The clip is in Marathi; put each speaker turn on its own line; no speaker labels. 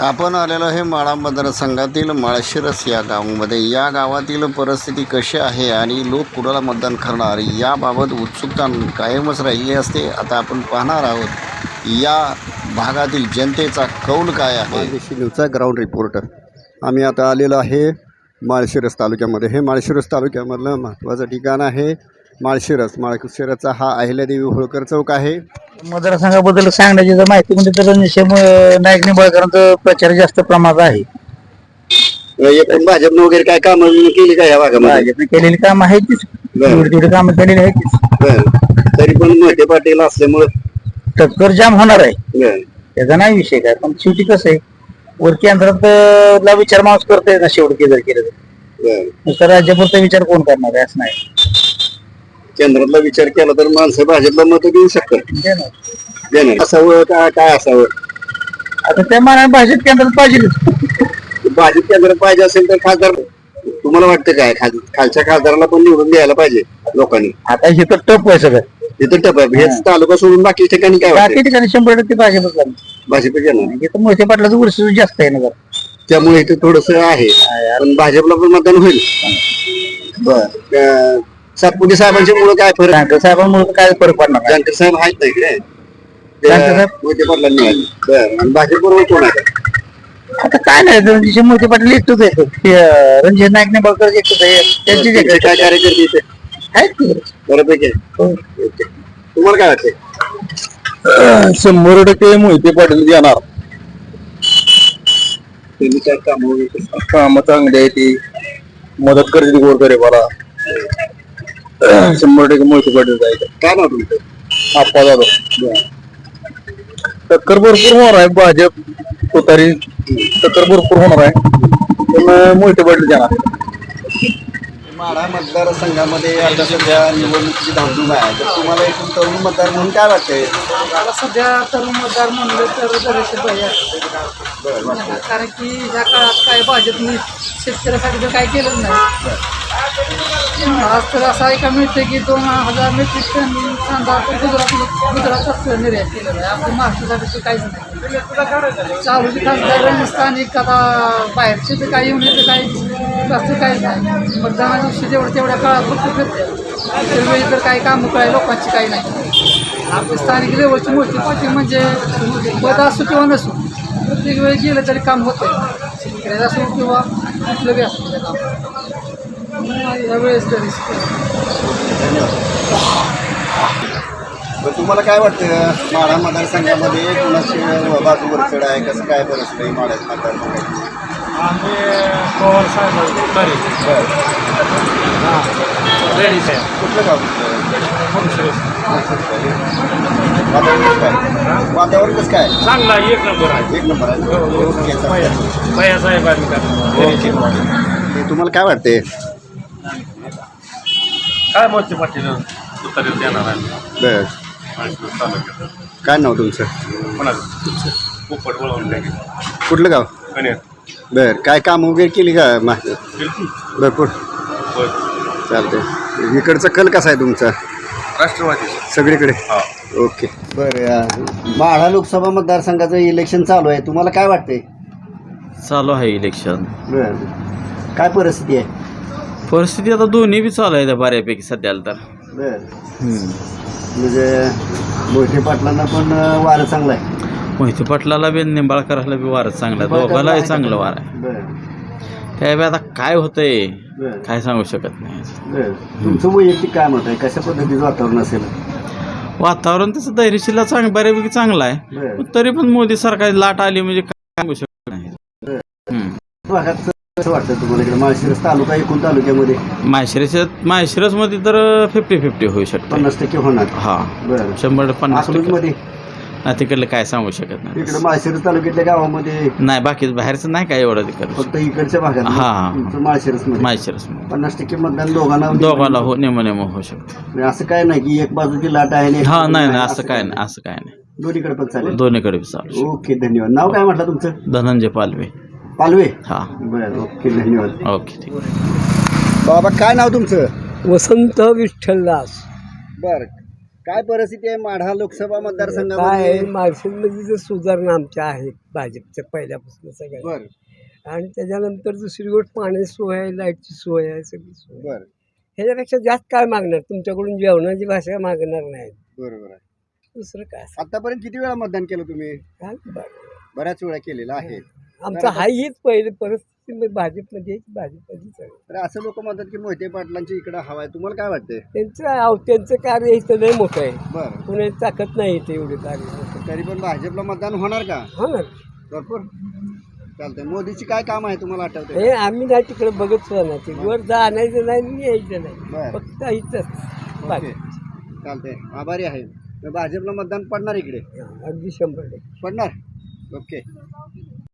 आपण आलेलो आहे माळा मतदारसंघातील माळशिरस या गावामध्ये. या गावातील परिस्थिती कशी आहे आणि लोक कुणाला मतदान करणार याबाबत उत्सुकता कायमच राहिली असते. आता आपण पाहणार आहोत या भागातील जनतेचा कौल काय आहे. माळदेशी न्यूजचा ग्राउंड रिपोर्टर. आम्ही आता आलेलो आहे माळशिरस तालुक्यामध्ये. हे माळशिरस तालुक्यामधलं महत्त्वाचं ठिकाण आहे माळशिरसचा हा अहिल्यादेवी होळकर चौक आहे.
मतदारसंघाबद्दल सांगण्याची जर माहिती म्हणजे तर नाईक निंबाळकरांचा प्रचार जास्त प्रमाणात आहे.
एकूण भाजपनं वगैरे काय कामं केली का या भागामध्ये?
भाजपने केलेली काम आहे तीच, तेवढी कामं केलेली आहे तीच.
तरी पण मोठे पाटील असल्यामुळे
टक्कर जाम होणार आहे, त्याचा नाही विषय काय. पण शेवटी कसं आहे, वर केंद्रात ला विचार माणूस करतोय ना शेवटी जर केलं तर राज्यापुरता विचार कोण करणार आहे असं नाही.
केंद्रातला विचार केला तर माणसं भाजपला मत देऊ शकतात. असावं काय असावं?
आता त्या मानाने भाजप केंद्रात पाहिजे.
भाजप केंद्रात पाहिजे असेल तर खासदार तुम्हाला वाटतं काय खालच्या खासदाराला पण निवडून द्यायला पाहिजे लोकांनी?
आता हे तर टप आहे सगळं,
तिथं टप आहे. हेच तालुका सोडून बाकी ठिकाणी काय
बाकी ठिकाणी 100% भाजपच लागली.
भाजप येणार.
इथं मोठ्या पाटलाचं वर्ष जास्त आहे ना जरा,
त्यामुळे इथे थोडस आहे. पण भाजपला पण मतदान होईल. बर, सातपुते साहेबांच्या मुळे काय फरक?
जानकर साहेबांमुळे काय फरक पडणार नाही.
जानकर साहेब आहेत नाही इकडे,
जानकर साहेब
मोठे पाटलांनी मिळाले. बरं, आणि भाजप बरोबर कोण आहे?
आता काय नाही, रणजित मोठे पाटील एकटोच आहे, रणजित नाईक निंबाळकर एकटोच आहे. त्यांची
त्यांचे काय कार्यकर्ते इथे
आहेत की
बऱ्यापैकी आहे. ओके. तुम्हाला काय वाटतंय?
100% मोहिते पाटील येणार.
त्यांनी काय
कामं चांगली आहे, ती मदत करते गोरगरीबाला. 100% मोहिते पाटील जायचं.
काय नाव तुमचं?
आप्पा जाधव. टक्कर भरपूर होणार आहे, भाजप तुतारी टक्कर भरपूर होणार आहे, पण मोहिते पाटील येणार.
माढा मतदारसंघामध्ये आता सध्या निवडणुकीची धामधूम आहे. तर तुम्हाला एकूण तरुण मतदार म्हणून काय वाटतंय?
मला सध्या तरुण मतदार म्हणलं तर बरेचसे भैया, कारण की ह्या काळात काय भाजपने शेतकऱ्यासाठी तर काय केलं नाही. आज तर असं ऐका मिळतं की 2000 मेट्रिक टन कांदा गुजरातच निर्यात केलेला आहे. आपल्या महाराष्ट्रासाठी काहीच नाही. चालूचे खासदार स्थानिक आता बाहेरचे तर काही येऊन येते, काही जास्त काहीच नाही. मतदाना दिवशी तेवढ्या काळात फक्त फिरते, त्यावेळी तर काही कामं काय लोकांची काही नाही. आपले स्थानिक लेवलची मोठी पार्टी म्हणजे पद असो किंवा नसो, प्रत्येक वेळी गेलं तरी काम होतं. शेतकऱ्याचं असो किंवा कुठलं बी असो ते काम यावेळेस तरी.
तुम्हाला काय वाटतं माढा मतदारसंघामध्ये कुणाची बाजू वरचढ आहे? कसं काय परिस्थिती आहे माढा मतदारसंघाची?
आम्ही पवार साहेब लेडीज आहे.
कुठलं गाव? वातावरण कसं काय?
चांगला एक नंबर आहे.
एक नंबर आहे.
भैया साहेबांनी
तुम्हाला काय वाटते?
काय मोठे पाटील तुतारीत येणार आहे.
बर, काय नाव तुमचं?
कोणाचं? पोपट वळवून टाकेल.
कुठलं गाव?
कन्या
बर, काय काम वगैरे केली का भरपूर? चालतंय. इकडचा कल कसा आहे तुमचा?
राष्ट्रवादी
सगळीकडे.
हा.
ओके. बरं, माढा लोकसभा मतदारसंघाचं इलेक्शन चालू आहे. तुम्हाला काय वाटतंय?
चालू आहे इलेक्शन.
बरं, काय परिस्थिती आहे?
परिस्थिती आता दोन्ही बी चालू आहे बऱ्यापैकी सध्याला तर.
बरं, म्हणजे मोठे पाटलांना पण वारं चांगलं आहे.
मोहिते पाटलाला बी निंबाळकराला बी वारं चांगलं आहे, दोघालाही चांगलं वार आहे.
बरं,
त्यावेळी आता काय होतंय
बरं,
काय सांगू शकत नाही.
बरं. तुमचं वैयक्तिक काय मत आहे? कशा पद्धतीचं वातावरण असेल?
वातावरण तसं धैर्यशीलला बऱ्यापैकी चांगलं आहे,
बरं.
पण तरी पण मोदी सरकार लाट आली म्हणजे काय सांगू शकत नाही.
भागात कसं वाटतं तुम्हाला इकडे माळशिरस तालुका एकूण तालुक्यामध्ये?
माहेशिरसमध्ये तर 50-50 होऊ शकतं.
50% होणार.
हा,
बरं.
100-50%
मध्ये
नाही. तिकडलं काय सांगू शकत नाही.
इकडे माळशिरस तालुक्यातल्या गावामध्ये
नाही, बाकी बाहेरचं नाही काय एवढं तिकडं.
फक्त इकडच्या भागात
हा.
माळशिरस मध्ये
माहेशिरस
50% मतदान दोघांना
हो नेम होऊ शकतो.
असं काय नाही की एक बाजूची लाट आहे आणि एक
हा,
बाजूची
नाही
नाही,
असं काय नाही, असं काय नाही.
दोन्हीकडे पण चालेल.
दोन्हीकडे बी चालू.
ओके, धन्यवाद. नाव काय म्हटलं तुमचं?
धनंजय पालवे.
पालवे.
हा.
बरं, ओके, धन्यवाद.
ओके, ठीक.
बाबा काय नाव तुमचं?
वसंत विठ्ठलदास.
बर, काय परिस्थिती आहे माढा लोकसभा
काय
मतदारसंघामध्ये?
मार्शलमध्ये जर सुधारणा आमच्या आहेत भाजपच्या पहिल्यापासून सगळ्या
बर
आणि त्याच्यानंतर दुसरी गोष्ट पाण्याची सोय आहे, लाईटची सोय आहे, सगळी सोय आहे.
बर
ह्याच्यापेक्षा जास्त काय मागणार तुमच्याकडून जेवणाची भाषा मागणार नाही
बरोबर आहे.
दुसरं काय असं
आतापर्यंत किती वेळा मतदान केलं तुम्ही?
काय बरं.
बऱ्याच वेळा केलेलं आहे.
आमचं हाय हीच पहिली परिस्थिती भाजपमध्ये भाजपमध्येच आहे.
तर असं लोक म्हणतात की मोहिते पाटलांची इकडे हवा आहे, तुम्हाला काय वाटतंय?
त्यांचं कार्य इथं लय मोठं आहे,
बरं
कुणाची ताकद नाही इथे एवढी कार्य
तरी पण भाजपला मतदान होणार का?
हो ना.
भरपूर चालतंय. मोदीची काय काम आहे तुम्हाला आठवतंय?
हे आम्ही नाही तिकडे बघत सुद्धा नाही, ते वर जाण्याचं नाही आणि यायचं नाही,
बरं.
फक्त इथंच
ओके चालतंय, आभारी आहे. मग भाजपला मतदान पडणार इकडे?
अगदी 100%.
पडणार. ओके.